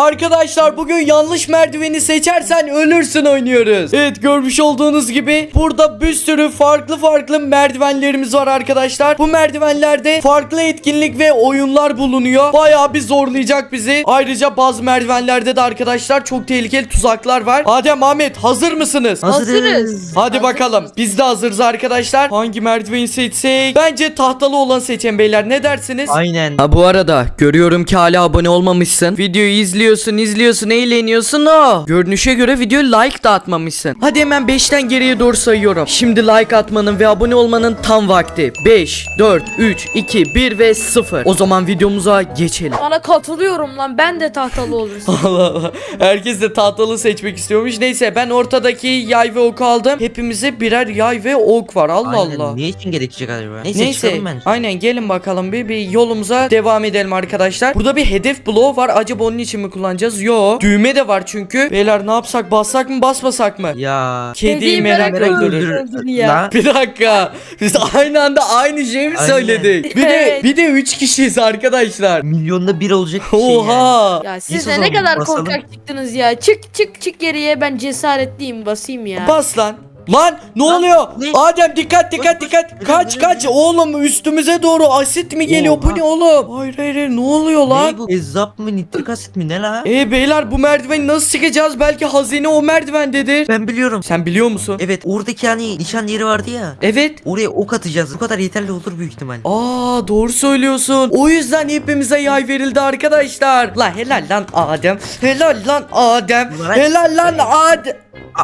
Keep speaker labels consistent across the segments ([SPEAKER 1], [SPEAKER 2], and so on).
[SPEAKER 1] Arkadaşlar bugün yanlış merdiveni seçersen ölürsün oynuyoruz. Evet, görmüş olduğunuz gibi burada bir sürü farklı merdivenlerimiz var arkadaşlar. Bu merdivenlerde farklı etkinlik ve oyunlar bulunuyor. Bayağı bir zorlayacak bizi. Ayrıca bazı merdivenlerde de arkadaşlar çok tehlikeli tuzaklar var. Adem, Ahmet, hazır mısınız?
[SPEAKER 2] Hazırız.
[SPEAKER 1] Hadi bakalım. Biz de hazırız arkadaşlar. Hangi merdiveni seçsek? Bence tahtalı olan seçen beyler. Ne dersiniz?
[SPEAKER 2] Aynen.
[SPEAKER 1] Ha, bu arada görüyorum ki hala abone olmamışsın. Videoyu izliyorsun, eğleniyorsun. Görünüşe göre videoyu like da atmamışsın. Hadi hemen 5'ten geriye doğru sayıyorum. Şimdi like atmanın ve abone olmanın tam vakti. 5, 4, 3, 2, 1 ve 0. O zaman videomuza geçelim.
[SPEAKER 3] Sana katılıyorum lan, ben de tahtalı olursun.
[SPEAKER 1] Allah Allah. Herkes de tahtalı seçmek istiyormuş. Neyse, ben ortadaki yay ve ok aldım. Hepimize birer yay ve ok var. Allah
[SPEAKER 2] Aynen.
[SPEAKER 1] Allah.
[SPEAKER 2] Ne için gerekecek acaba? Neyse
[SPEAKER 1] Neyse,
[SPEAKER 2] çıkalım ben.
[SPEAKER 1] aynen, gelin bakalım bir yolumuza devam edelim arkadaşlar. Burada bir hedef bloğu var. Acaba onun için mi kullanacağız? Yo. Düğme de var çünkü. Beyler, ne yapsak? Bassak mı, basmasak mı?
[SPEAKER 2] Ya.
[SPEAKER 1] Kediyi
[SPEAKER 3] Kediyi
[SPEAKER 1] merak
[SPEAKER 3] merak
[SPEAKER 1] öldürür.
[SPEAKER 3] öldürür ya.
[SPEAKER 2] La.
[SPEAKER 1] Bir dakika. Biz aynı anda aynı şeyi mi
[SPEAKER 2] Aynen.
[SPEAKER 1] söyledik?
[SPEAKER 3] Evet.
[SPEAKER 1] Bir de 3 kişiyiz arkadaşlar.
[SPEAKER 2] Milyonda bir olacak bir şey yani.
[SPEAKER 1] Oha.
[SPEAKER 3] Ya
[SPEAKER 2] Biz
[SPEAKER 3] siz
[SPEAKER 2] o
[SPEAKER 3] de ne
[SPEAKER 2] zaman
[SPEAKER 3] kadar
[SPEAKER 2] basalım.
[SPEAKER 3] korkak çıktınız ya. Çık geriye, ben cesaretliyim, basayım ya.
[SPEAKER 1] Bas lan. Lan ne
[SPEAKER 2] Lan,
[SPEAKER 1] oluyor?
[SPEAKER 2] ne?
[SPEAKER 1] Adem, dikkat.
[SPEAKER 2] Bas.
[SPEAKER 1] Kaç oğlum, üstümüze doğru asit mi geliyor? Bu
[SPEAKER 2] Oha.
[SPEAKER 1] ne oğlum? Hayır, ne oluyor lan?
[SPEAKER 2] Ne bu? Ezzap mı? Nitrik asit mi? Ne la?
[SPEAKER 1] Beyler, bu merdiveni nasıl çıkacağız? Belki hazine o merdivendedir.
[SPEAKER 2] Ben biliyorum.
[SPEAKER 1] Sen biliyor musun?
[SPEAKER 2] Evet, oradaki hani nişan yeri vardı ya.
[SPEAKER 1] Evet.
[SPEAKER 2] Oraya ok atacağız. Bu kadar yeterli olur büyük ihtimal.
[SPEAKER 1] Aa, doğru söylüyorsun. O yüzden hepimize yay verildi arkadaşlar. La helal lan Adem. Helal lan Adem.
[SPEAKER 2] Ulan.
[SPEAKER 1] Helal lan Adem.
[SPEAKER 2] Aa.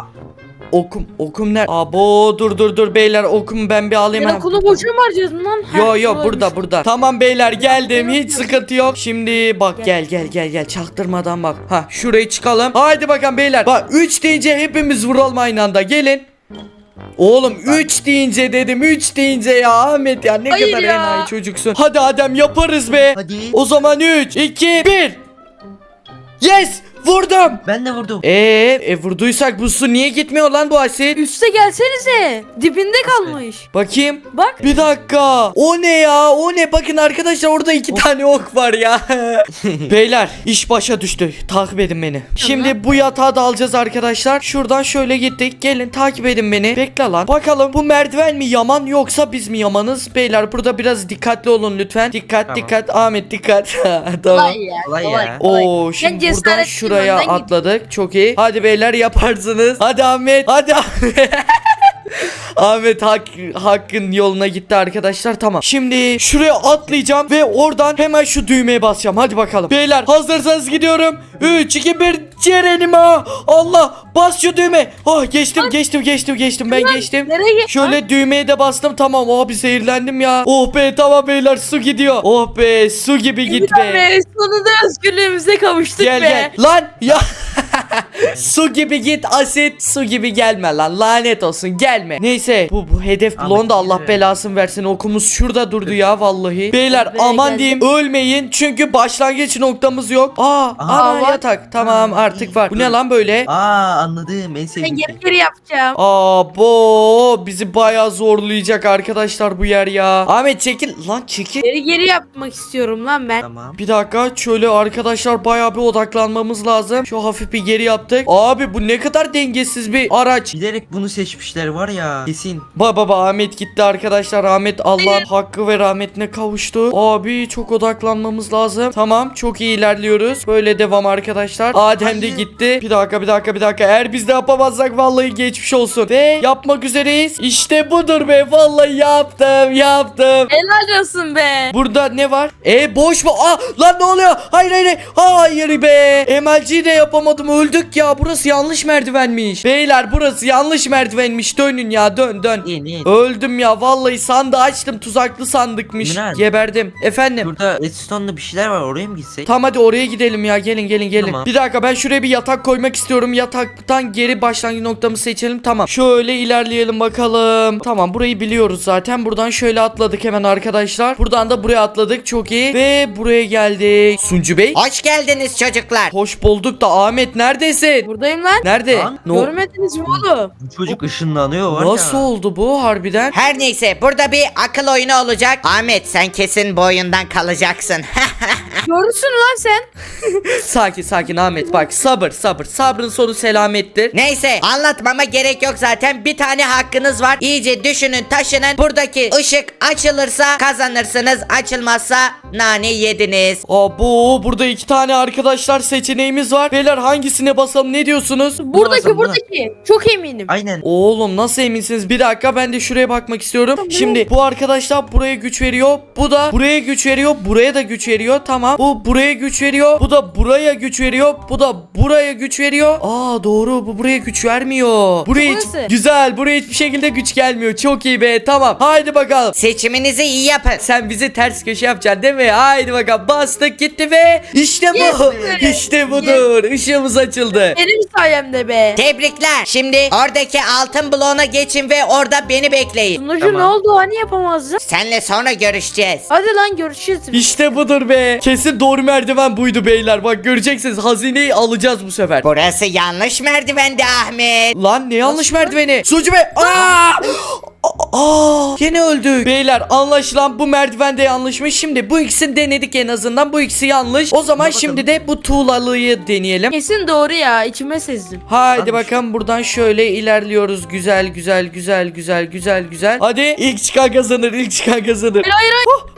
[SPEAKER 1] Okum nerede? Abo, dur beyler, okumu ben bir alayım.
[SPEAKER 3] Sen
[SPEAKER 1] Ha.
[SPEAKER 3] okulu boşuna mı harcadın lan?
[SPEAKER 1] Yo,
[SPEAKER 3] Ha,
[SPEAKER 1] burada. Tamam beyler, geldim, hiç sıkıntı yok. Şimdi bak, gel çaktırmadan bak. Ha, şuraya çıkalım. Haydi bakalım beyler. Bak, 3 deyince hepimiz vuralım aynı anda. Gelin. Oğlum 3 deyince dedim, 3 deyince ya Ahmet, ya ne
[SPEAKER 3] Hayır
[SPEAKER 1] kadar
[SPEAKER 3] ya.
[SPEAKER 1] enayi çocuksun. Hadi Adem, yaparız be.
[SPEAKER 2] Hadi.
[SPEAKER 1] O zaman 3, 2, 1. Yes, vurdum.
[SPEAKER 2] Ben de vurdum.
[SPEAKER 1] Vurduysak bu su niye gitmiyor lan, bu asit?
[SPEAKER 3] Üste gelsenize. Dibinde kalmış.
[SPEAKER 1] Bakayım.
[SPEAKER 3] Bak.
[SPEAKER 1] Bir dakika. O ne ya? O ne? Bakın arkadaşlar, orada 2 tane ok var ya. Beyler, iş başa düştü. Takip edin beni. Şimdi bu yatağı da alacağız arkadaşlar. Şuradan şöyle gittik. Gelin, takip edin beni. Bekle lan. Bakalım bu merdiven mi yaman, yoksa biz mi yamanız? Beyler, burada biraz dikkatli olun lütfen. Dikkat. Ahmet, dikkat. Tamam.
[SPEAKER 3] Kolay ya.
[SPEAKER 2] Kolay
[SPEAKER 3] Kolay.
[SPEAKER 2] ya.
[SPEAKER 1] Oo, şimdi
[SPEAKER 3] Ben
[SPEAKER 1] buradan
[SPEAKER 3] cesaretliyim,
[SPEAKER 1] şuraya
[SPEAKER 3] önden git.
[SPEAKER 1] atladık. Çok iyi. Hadi beyler, yaparsınız. Hadi Ahmet. Ahmet hakkın yoluna gitti arkadaşlar. Tamam. Şimdi şuraya atlayacağım ve oradan hemen şu düğmeye basacağım. Hadi bakalım. Beyler, hazırsanız gidiyorum. 3, 2, 1. Ceren'ime. Allah, bas şu düğme. Oh, geçtim. Ben geçtim.
[SPEAKER 3] Nereye git?
[SPEAKER 1] Şöyle düğmeye de bastım. Tamam. Abi, zehirlendim ya. Oh be, tamam beyler, su gidiyor. Oh be, su gibi git be.
[SPEAKER 3] Be, sonunda özgürlüğümüze kavuştuk
[SPEAKER 1] Gel. Lan ya. Su gibi git asit, su gibi gelme lan, lanet olsun, gelme. Neyse, bu hedef
[SPEAKER 2] Ahmet,
[SPEAKER 1] blonda Allah
[SPEAKER 2] yürü.
[SPEAKER 1] belasını versin. Okumuz şurada durdu ya vallahi. Beyler,
[SPEAKER 3] Buraya
[SPEAKER 1] aman
[SPEAKER 3] geldim.
[SPEAKER 1] diyeyim, ölmeyin çünkü başlangıç noktamız yok. Ana
[SPEAKER 3] var.
[SPEAKER 1] yatak, tamam, artık var. Bu ne lan böyle?
[SPEAKER 2] Anladım. En sevdiğim
[SPEAKER 3] Ben
[SPEAKER 2] şey.
[SPEAKER 3] geri yapacağım.
[SPEAKER 1] Bizi bayağı zorlayacak arkadaşlar bu yer ya. Ahmet, çekil lan, çekil.
[SPEAKER 3] Geri yapmak istiyorum lan ben.
[SPEAKER 2] Tamam.
[SPEAKER 1] Bir dakika, şöyle arkadaşlar bayağı bir odaklanmamız lazım. Şu hafif bir geri yaptık. Abi, bu ne kadar dengesiz bir araç.
[SPEAKER 2] Bilerek bunu seçmişler var ya. Kesin.
[SPEAKER 1] Baba, Ahmet gitti arkadaşlar. Ahmet Allah'ın hakkı ve rahmetine kavuştu. Abi, çok odaklanmamız lazım. Tamam, çok iyi ilerliyoruz. Böyle devam arkadaşlar. Adem de
[SPEAKER 2] Hayır.
[SPEAKER 1] gitti. Bir dakika. Eğer biz de yapamazsak vallahi geçmiş olsun. Ve yapmak üzereyiz. İşte budur be. Vallahi yaptım.
[SPEAKER 3] Helal olsun be.
[SPEAKER 1] Burada ne var? Boş mu? Lan ne oluyor? Hayır be. MLG'yi de yapamadım. Öldük ya. Burası yanlış merdivenmiş. Beyler, burası yanlış merdivenmiş. Dönün ya, dön.
[SPEAKER 2] İyi.
[SPEAKER 1] Öldüm ya. Vallahi sandığı açtım. Tuzaklı sandıkmış.
[SPEAKER 2] Miran.
[SPEAKER 1] Geberdim. Efendim.
[SPEAKER 2] Burada redstone'da bir şeyler var, oraya mı gitsek?
[SPEAKER 1] Tamam, hadi oraya gidelim ya. Gelin.
[SPEAKER 2] Tamam.
[SPEAKER 1] Bir dakika, ben şuraya bir yatak koymak istiyorum. Yataktan geri başlangıç noktamızı seçelim. Tamam. Şöyle ilerleyelim bakalım. Tamam, burayı biliyoruz zaten. Buradan şöyle atladık hemen arkadaşlar. Buradan da buraya atladık. Çok iyi. Ve buraya geldik. Suncu Bey.
[SPEAKER 4] Hoş geldiniz çocuklar.
[SPEAKER 1] Hoş bulduk da Ahmet neredesin? Ahmet.
[SPEAKER 3] Buradayım lan.
[SPEAKER 1] Nerede?
[SPEAKER 2] Lan,
[SPEAKER 3] Görmediniz mi oğlum?
[SPEAKER 2] Bu çocuk ışınlanıyor var ya.
[SPEAKER 1] Nasıl oldu bu harbiden?
[SPEAKER 4] Her neyse burada bir akıl oyunu olacak. Ahmet sen kesin bu oyundan kalacaksın.
[SPEAKER 3] Görürsün lan sen.
[SPEAKER 1] Sakin Ahmet, bak sabır. Sabrın sonu selamettir.
[SPEAKER 4] Neyse anlatmama gerek yok zaten. Bir tane hakkınız var. İyice düşünün taşının. Buradaki ışık açılırsa kazanırsınız. Açılmazsa nane yediniz.
[SPEAKER 1] Abo, burada 2 tane arkadaşlar seçeneğimiz var. Beyler hangisine basalım, ne diyorsunuz?
[SPEAKER 3] Buradaki
[SPEAKER 2] basalım, buna.
[SPEAKER 3] buradaki. Çok eminim.
[SPEAKER 2] Aynen.
[SPEAKER 1] Oğlum nasıl eminsiniz? Bir dakika, ben de şuraya bakmak istiyorum. Şimdi bu arkadaşlar buraya güç veriyor. Bu da buraya güç veriyor. Buraya da güç veriyor. Tamam. Bu buraya güç veriyor. Bu da buraya güç veriyor. Bu da buraya güç veriyor. Aa doğru, bu buraya güç vermiyor. Buraya hiç,
[SPEAKER 3] Burası.
[SPEAKER 1] güzel. Buraya hiçbir şekilde güç gelmiyor. Çok iyi be. Tamam. Haydi bakalım.
[SPEAKER 4] Seçiminizi iyi yapın.
[SPEAKER 1] Sen bizi ters köşe yapacaksın değil mi? Haydi bakalım. Bastık gitti ve işte bu.
[SPEAKER 3] Yes be.
[SPEAKER 1] İşte budur. Işığımız açıldı.
[SPEAKER 3] Benim sayemde be.
[SPEAKER 4] Tebrikler. Şimdi oradaki altın bloğuna geçin ve orada beni bekleyin.
[SPEAKER 3] Sunucu
[SPEAKER 2] Tamam.
[SPEAKER 3] ne oldu? Hani yapamazdın?
[SPEAKER 4] Senle sonra görüşeceğiz.
[SPEAKER 3] Hadi lan görüşürüz.
[SPEAKER 1] İşte budur be. Kesin doğru merdiven buydu beyler. Bak göreceksiniz, hazineyi alacağız bu sefer.
[SPEAKER 4] Burası yanlış merdivendi Ahmet.
[SPEAKER 1] Lan ne yanlış merdiveni? Sucu be. Yine öldük. Beyler anlaşılan bu merdiven de yanlışmış. Şimdi bu ikisini denedik en azından. Bu ikisi yanlış. O zaman
[SPEAKER 2] Bakalım.
[SPEAKER 1] şimdi de bu tuğlalıyı deneyelim.
[SPEAKER 3] Kesin doğru ya. İçime sezdim.
[SPEAKER 1] Haydi
[SPEAKER 2] Varmış.
[SPEAKER 1] bakalım, buradan şöyle ilerliyoruz. Güzel. Hadi ilk çıkan kazanır.
[SPEAKER 3] Hayır.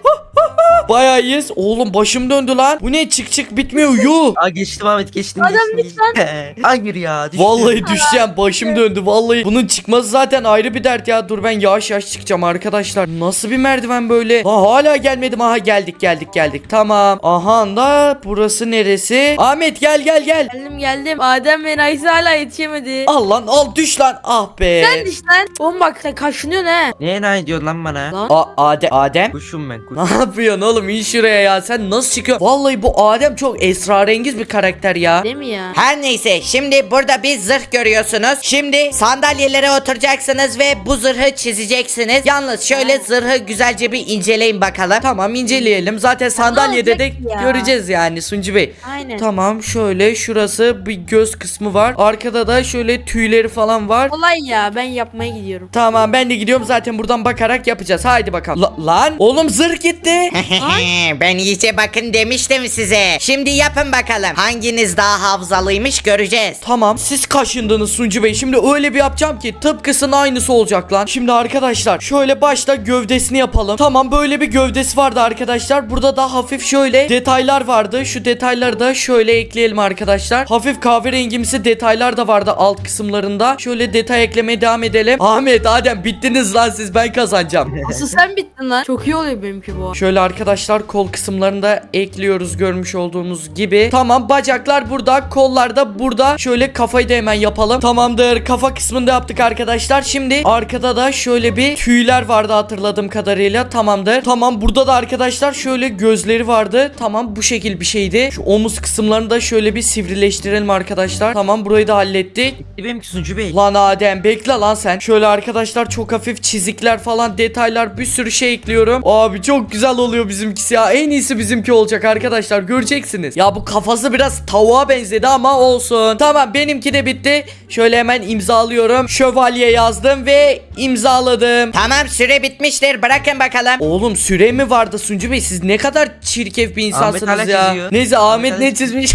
[SPEAKER 1] Bayağı iyiyiz. Oğlum başım döndü lan. Bu ne, çık bitmiyor yuh.
[SPEAKER 2] Aa geçtim Ahmet geçtim.
[SPEAKER 3] Adam
[SPEAKER 2] geçtim. Hayır ya düştüm.
[SPEAKER 1] Vallahi düşeceğim, başım döndü vallahi. Bunun çıkması zaten ayrı bir dert ya. Dur ben yavaş çıkacağım arkadaşlar. Nasıl bir merdiven böyle? Hala gelmedim. Aha geldik. Tamam. Aha da burası neresi? Ahmet gel.
[SPEAKER 3] Geldim. Adem ve Nayse hala yetişemedi.
[SPEAKER 1] Al lan, al düş lan. Ah be.
[SPEAKER 3] Sen diş lan. Oğlum bak sen kaşınıyorsun he.
[SPEAKER 2] Neye ne diyorsun lan bana?
[SPEAKER 3] Lan.
[SPEAKER 1] Adem.
[SPEAKER 2] Kuşum ben kuş.
[SPEAKER 1] Ne yapıyorsun oğlum? İn şuraya ya. Sen nasıl çıkıyorsun? Vallahi bu Adem çok esrarengiz bir karakter ya.
[SPEAKER 3] Değil mi ya?
[SPEAKER 4] Her neyse şimdi burada bir zırh görüyorsunuz. Şimdi sandalyelere oturacaksınız ve bu zırhı çizeceksiniz. Yalnız şöyle zırhı güzelce bir inceleyin bakalım.
[SPEAKER 1] Tamam, inceleyelim. Zaten sandalyede de
[SPEAKER 3] olacak ya?
[SPEAKER 1] göreceğiz yani Suncu Bey.
[SPEAKER 3] Aynen.
[SPEAKER 1] Tamam, şöyle şurası bir göz kısmı var. Arkada da şöyle tüyleri falan var.
[SPEAKER 3] Kolay ya, ben yapmaya gidiyorum.
[SPEAKER 1] Tamam, ben de gidiyorum zaten, buradan bakarak yapacağız. Haydi bakalım. Lan oğlum zırh gitti.
[SPEAKER 4] Ben iyice bakın demiştim size. Şimdi yapın bakalım. Hanginiz daha hafızalıymış göreceğiz.
[SPEAKER 1] Tamam, siz kaşındınız Suncu Bey. Şimdi öyle bir yapacağım ki tıpkısının aynısı olacak lan. Şimdi arkadaşlar şöyle başta gövdesini yapalım. Tamam, böyle bir gövdesi vardı arkadaşlar. Burada da hafif şöyle detaylar vardı. Şu detayları da şöyle ekleyelim arkadaşlar. Hafif kahverengimsi detaylar da vardı alt kısımlarında. Şöyle detay eklemeye devam edelim. Ahmet, Adem bittiniz lan siz, ben kazanacağım.
[SPEAKER 3] Asıl sen bittin lan. Çok iyi oluyor benimki bu.
[SPEAKER 1] Şöyle arkadaşlar kol kısımlarında ekliyoruz görmüş olduğumuz gibi. Tamam, bacaklar burada, kollar da burada. Şöyle kafayı da hemen yapalım. Tamamdır, kafa kısmında yaptık arkadaşlar. Şimdi arkada da şöyle bir tüyler vardı hatırladığım kadarıyla. Tamamdır. Tamam, burada da arkadaşlar şöyle gözleri vardı. Tamam, bu şekil bir şeydi. Şu omuz kısımlarını da şöyle bir sivrileştirelim arkadaşlar. Tamam, burayı da hallettik.
[SPEAKER 2] Benimki Sunucu Bey.
[SPEAKER 1] Lan Adem bekle lan sen. Şöyle arkadaşlar çok hafif çizikler falan, detaylar, bir sürü şey ekliyorum. Abi çok güzel oluyor bizimkisi ya. En iyisi bizimki olacak arkadaşlar, göreceksiniz. Ya bu kafası biraz tavuğa benzedi ama olsun. Tamam, benimki de bitti. Şöyle hemen imzalıyorum. Şövalye yazdım ve imzaladım.
[SPEAKER 4] Tamam süre bitmiştir. Bırakın bakalım.
[SPEAKER 1] Oğlum süre mi vardı Suncu Bey? Siz ne kadar çirkef bir insansınız
[SPEAKER 2] hala
[SPEAKER 1] ya.
[SPEAKER 2] çiziyor.
[SPEAKER 1] Neyse Ahmet
[SPEAKER 2] hala
[SPEAKER 1] ne çizmiş?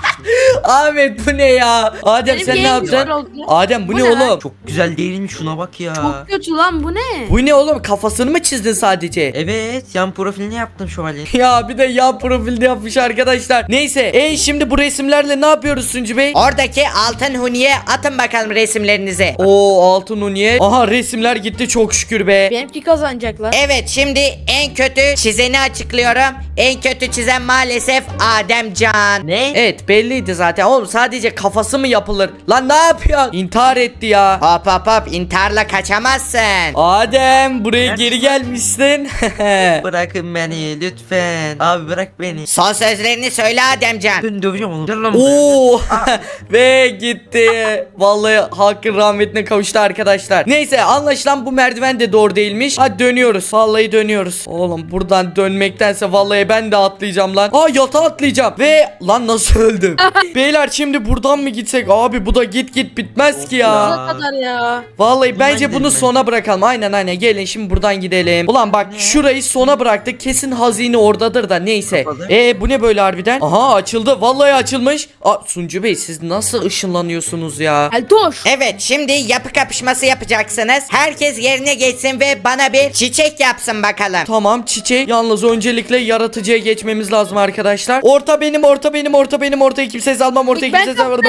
[SPEAKER 1] Ahmet bu ne ya? Adem
[SPEAKER 3] Benim
[SPEAKER 1] sen ne
[SPEAKER 3] yayın
[SPEAKER 1] yapacaksın?
[SPEAKER 3] güzel oldu.
[SPEAKER 1] Adem bu
[SPEAKER 3] Bu
[SPEAKER 1] ne
[SPEAKER 3] ne lan?
[SPEAKER 1] oğlum?
[SPEAKER 2] Çok güzel değil mi şuna bak ya.
[SPEAKER 3] Çok kötü lan, bu ne?
[SPEAKER 1] Bu ne oğlum? Kafasını mı çizdin sadece?
[SPEAKER 2] Evet yan profilini yaptım şövalye.
[SPEAKER 1] Ya bir de yan profilde yapmış arkadaşlar. Neyse şimdi bu resimlerle ne yapıyoruz Suncu Bey?
[SPEAKER 4] Oradaki altın huniye atın bakalım resimlerinizi.
[SPEAKER 1] Oo altın uniye. Aha resimler gitti çok şükür be.
[SPEAKER 3] Benimki kazanacak lan.
[SPEAKER 4] Evet şimdi en kötü çizeni açıklıyorum. En kötü çizen maalesef Ademcan.
[SPEAKER 2] Ne?
[SPEAKER 1] Evet belliydi zaten oğlum, sadece kafası mı yapılır? Lan ne yapıyorsun? İntihar etti ya.
[SPEAKER 4] Hop intiharla kaçamazsın.
[SPEAKER 1] Adem buraya
[SPEAKER 2] Nerede?
[SPEAKER 1] geri gelmişsin.
[SPEAKER 2] Bırakın beni lütfen. Abi bırak beni.
[SPEAKER 4] Son sözlerini söyle Ademcan.
[SPEAKER 2] Ben döveceğim onu. Gel lan buraya.
[SPEAKER 1] Oo ve gitti. Vallahi hakkın rahmetine kavuştu arkadaşlar. Neyse anlaşılan bu merdiven de doğru değilmiş. Hadi dönüyoruz. Vallahi dönüyoruz. Oğlum buradan dönmektense vallahi ben de atlayacağım lan. Yatağa atlayacağım. Ve lan nasıl öldüm? Beyler şimdi buradan mı gitsek? Abi bu da git git bitmez ki ya.
[SPEAKER 3] Sonuna kadar ya.
[SPEAKER 1] Vallahi
[SPEAKER 2] Buradan
[SPEAKER 1] bence bunu
[SPEAKER 2] gidelim
[SPEAKER 1] sona bırakalım. Aynen gelin şimdi buradan gidelim. Ulan bak şurayı sona bıraktık. Kesin hazine oradadır da neyse.
[SPEAKER 2] Kapalı.
[SPEAKER 1] Bu ne böyle harbiden? Aha açıldı. Vallahi açılmış. Suncu Bey siz nasıl ışınlanıyorsunuz ya?
[SPEAKER 3] Eltoş.
[SPEAKER 4] Evet, şimdi yapı kapışması yapacaksınız. Herkes yerine geçsin ve bana bir çiçek yapsın bakalım.
[SPEAKER 1] Tamam çiçek. Yalnız öncelikle yaratıcıya geçmemiz lazım arkadaşlar. Orta benim. Ortayı kimseye salmam. Ortayı
[SPEAKER 3] İlk ben
[SPEAKER 1] kimseye salmam.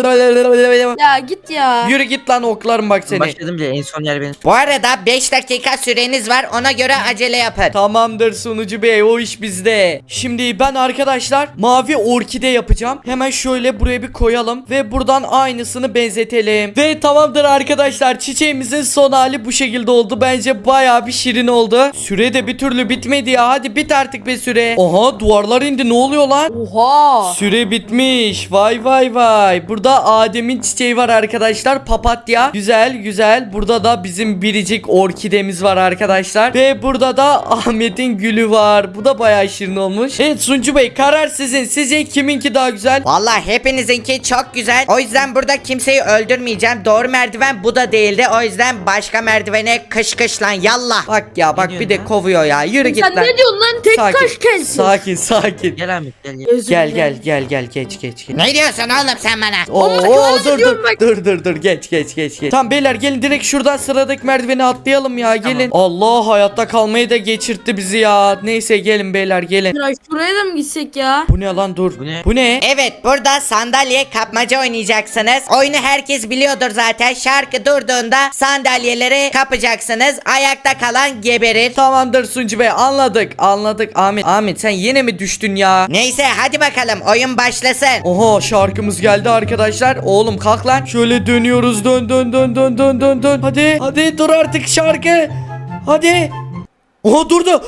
[SPEAKER 3] Ya git ya.
[SPEAKER 1] Yürü git lan oklarım bak seni.
[SPEAKER 2] Başladım bile en son yer benim.
[SPEAKER 4] Bu arada 5 dakika süreniz var, ona göre acele yapın.
[SPEAKER 1] Tamamdır sunucu bey, o iş bizde. Şimdi ben arkadaşlar mavi orkide yapacağım. Hemen şöyle buraya bir koyalım ve buradan aynısını benzetelim. Ve tamamdır arkadaşlar, çiçeğimizin son hali bu şekilde oldu. Bence bayağı bir şirin oldu. Süre de bir türlü bitmedi ya. Hadi bit artık be süre. Oha duvarlar indi, ne oluyor lan?
[SPEAKER 3] Oha.
[SPEAKER 1] Süre bitmiş. Vay. Burada Adem'in çiçeği var arkadaşlar. Papatya. Güzel. Burada da bizim biricik orkidemiz var arkadaşlar. Ve burada da Ahmet'in gülü var. Bu da bayağı şirin olmuş. Evet Suncu Bey, karar sizin. Sizce kiminki daha güzel?
[SPEAKER 4] Vallahi hepinizinki çok güzel. O yüzden burada kimseyi öldürmeyeceğim. Doğru merdiven bu da değildi. O yüzden başka merdivene kış lan yallah.
[SPEAKER 1] Bak ya bak,
[SPEAKER 2] Ne
[SPEAKER 1] bir
[SPEAKER 2] diyorsun
[SPEAKER 1] de kovuyor ya. Yürü git
[SPEAKER 3] Sen
[SPEAKER 1] lan.
[SPEAKER 3] ne diyorsun lan? Tek kaş kelsin.
[SPEAKER 1] Sakin.
[SPEAKER 2] Gel Ahmet gel.
[SPEAKER 3] Özür dilerim.
[SPEAKER 1] Gel geç.
[SPEAKER 4] Ne diyorsun oğlum sen bana?
[SPEAKER 1] Oo,
[SPEAKER 3] diyorum bak.
[SPEAKER 1] dur geç. Tamam beyler gelin direkt şuradan sıradaki merdiveni atlayalım ya, gelin. Allah, hayatta kalmayı da geçirtti bizi ya. Neyse gelin beyler gelin.
[SPEAKER 3] Ya şuraya da mı gitsek ya?
[SPEAKER 1] Bu ne lan, dur.
[SPEAKER 2] Bu ne?
[SPEAKER 1] Bu ne?
[SPEAKER 4] Evet, burada sandalye kapmaca oynayacaksınız. Oyunu herkes biliyordur zaten. Şarkı durduğunda sandalyeleri kapacaksınız. Ayakta kalan geberir.
[SPEAKER 1] Tamamdır Suncu Bey, anladık. Ahmet sen yine mi düştün ya?
[SPEAKER 4] Neyse hadi bakalım, oyun başlasın.
[SPEAKER 1] Oha, şarkımız geldi arkadaşlar. Oğlum kalk lan. Şöyle dönüyoruz, dön. Hadi dur artık şarkı. Hadi. Oha durdu.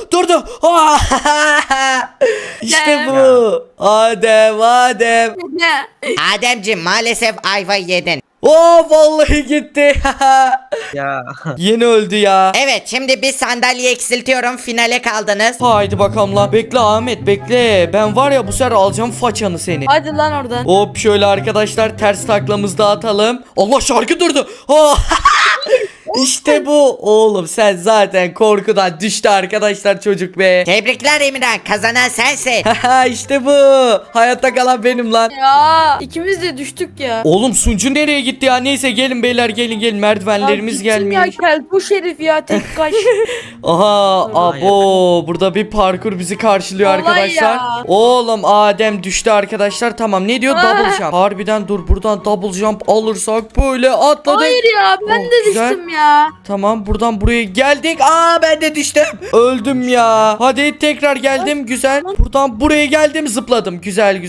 [SPEAKER 1] İşte bu. Adem.
[SPEAKER 3] Ne?
[SPEAKER 4] Ademciğim maalesef ayva yedin.
[SPEAKER 1] Vallahi gitti.
[SPEAKER 2] Ya.
[SPEAKER 1] Yeni öldü ya.
[SPEAKER 4] Evet, şimdi bir sandalye eksiltiyorum, finale kaldınız.
[SPEAKER 1] Haydi bakalım lan. Bekle Ahmet bekle. Ben var ya bu sefer alacağım façanı seni.
[SPEAKER 3] Hadi lan oradan.
[SPEAKER 1] Hop şöyle arkadaşlar, ters taklamızı da atalım. Allah, şarkı durdu. İşte bu. Oğlum sen zaten korkudan düştü arkadaşlar çocuk be.
[SPEAKER 4] Tebrikler Emirhan, kazanan sensin.
[SPEAKER 1] İşte bu. Hayatta kalan benim lan.
[SPEAKER 3] Ya ikimiz de düştük ya.
[SPEAKER 1] Oğlum Suncu nereye gitti ya? Neyse gelin beyler, gelin. Merdivenlerimiz
[SPEAKER 3] Ya gitsin
[SPEAKER 1] gelmiş.
[SPEAKER 3] ya bu şerif ya tek kaş.
[SPEAKER 1] Aha,
[SPEAKER 2] Vallahi
[SPEAKER 1] abo, burada bir parkur bizi karşılıyor
[SPEAKER 3] Vallahi
[SPEAKER 1] arkadaşlar.
[SPEAKER 3] ya.
[SPEAKER 1] Oğlum Adem düştü arkadaşlar. Tamam, ne diyor? Double jump. Harbiden dur, buradan double jump alırsak böyle atladık.
[SPEAKER 3] Hayır ya ben de
[SPEAKER 1] güzel.
[SPEAKER 3] düştüm ya.
[SPEAKER 1] Tamam, buradan buraya geldik. Ben de düştüm. Öldüm ya. Hadi tekrar geldim. Güzel. Buradan buraya geldim, zıpladım. Güzel.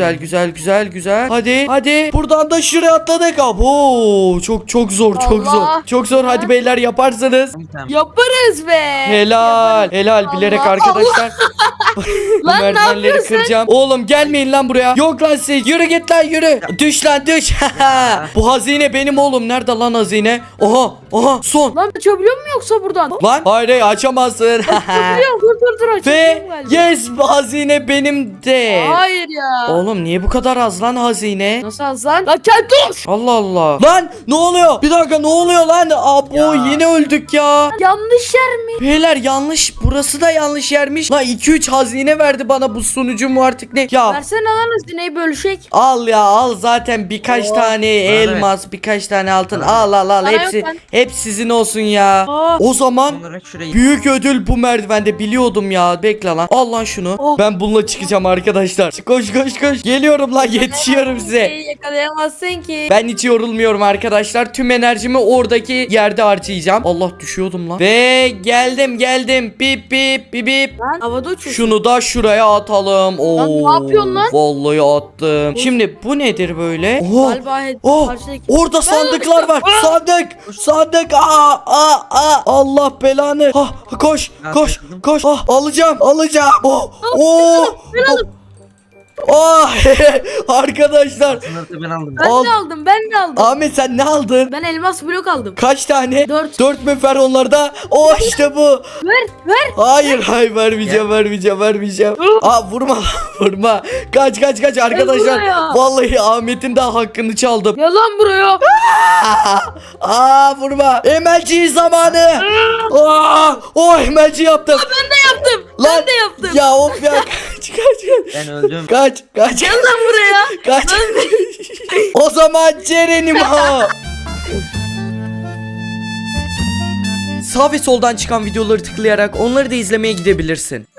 [SPEAKER 1] Hadi. Buradan da şuraya atladık. Abo, çok zor.
[SPEAKER 3] Allah.
[SPEAKER 1] Çok zor. Hadi beyler, yaparsınız.
[SPEAKER 2] Tamam.
[SPEAKER 3] Yaparız be.
[SPEAKER 1] Helal bilerek
[SPEAKER 3] Allah.
[SPEAKER 1] arkadaşlar. Bu
[SPEAKER 3] Lan ne
[SPEAKER 1] merdivenleri
[SPEAKER 3] yapıyorsun?
[SPEAKER 1] kıracağım. Oğlum gelmeyin lan buraya. Yok lan siz. Yürü git lan yürü. Düş lan düş. Bu hazine benim oğlum. Nerede lan hazine? Oha son.
[SPEAKER 3] Lan açabiliyor mu yoksa buradan?
[SPEAKER 1] Lan hayır açamazsın.
[SPEAKER 3] Açabiliyorum dur
[SPEAKER 1] Ve
[SPEAKER 3] açabiliyorum galiba.
[SPEAKER 1] yes, bu hazine benim de.
[SPEAKER 3] Hayır ya.
[SPEAKER 1] Oğlum niye bu kadar az lan hazine?
[SPEAKER 3] Nasıl az lan? Lan gel dur.
[SPEAKER 1] Allah Allah. Lan ne oluyor? Bir dakika, ne oluyor lan? Abo
[SPEAKER 2] Ya.
[SPEAKER 1] yine öldük ya.
[SPEAKER 3] Yanlış yer mi?
[SPEAKER 1] Beyler yanlış, burası da yanlış yermiş. Lan 2-3 hazine verdi bana bu sunucu mu artık ne? Ya
[SPEAKER 3] Versene lan hazineyi bölüşek.
[SPEAKER 1] al zaten birkaç tane elmas, birkaç tane altın. Al
[SPEAKER 3] Bana yok
[SPEAKER 1] hepsi
[SPEAKER 3] lan.
[SPEAKER 1] hep sizin olsun ya.
[SPEAKER 3] Aa.
[SPEAKER 1] O zaman
[SPEAKER 2] Olarak şurayı.
[SPEAKER 1] büyük ödül bu merdivende, biliyordum ya. Bekle lan. Al lan şunu.
[SPEAKER 3] Oh.
[SPEAKER 1] Ben bununla çıkacağım arkadaşlar. Koş. Geliyorum lan, yetişiyorum size.
[SPEAKER 3] Yakalayamazsın ki.
[SPEAKER 1] Ben hiç yorulmuyorum arkadaşlar. Tüm enerjimi oradaki yerde harcayacağım. Allah, düşüyordum lan. Ve geldim. Bip.
[SPEAKER 3] Lan havada uçuyorsun.
[SPEAKER 1] Şunu da şuraya atalım. Oo,
[SPEAKER 3] Lan ne yapıyorsun lan?
[SPEAKER 1] Vallahi attım. Şimdi bu nedir böyle? Oha.
[SPEAKER 3] Galiba
[SPEAKER 1] Oh,
[SPEAKER 3] karşıdaki-
[SPEAKER 1] orada sandıklar var. Sandık. Allah belanı. Koş. Alacağım. Oh. Oh arkadaşlar.
[SPEAKER 2] Sınırda ben aldım.
[SPEAKER 3] Ben
[SPEAKER 1] Al.
[SPEAKER 3] de aldım ben de aldım.
[SPEAKER 1] Ahmet sen ne aldın?
[SPEAKER 3] Ben elmas blok aldım.
[SPEAKER 1] Kaç tane?
[SPEAKER 3] 4.
[SPEAKER 1] 4 mü fer onlarda? Oh işte bu.
[SPEAKER 3] Ver.
[SPEAKER 1] Hayır vermeyeceğim. Aa vurma vurma. Kaç arkadaşlar.
[SPEAKER 3] buraya.
[SPEAKER 1] Vallahi Ahmet'in de hakkını çaldım.
[SPEAKER 3] Yalan buraya.
[SPEAKER 1] Aa vurma. Emelci zamanı. Oh emelci yaptım.
[SPEAKER 3] Ben de yaptım.
[SPEAKER 1] Lan,
[SPEAKER 3] Ben de yaptım.
[SPEAKER 1] Ya of ya kaç.
[SPEAKER 2] Ben öldüm.
[SPEAKER 1] Kaç.
[SPEAKER 3] Gel lan buraya.
[SPEAKER 1] Kaç. O zaman Ceren'im ha. Sağ ve soldan çıkan videoları tıklayarak onları da izlemeye gidebilirsin.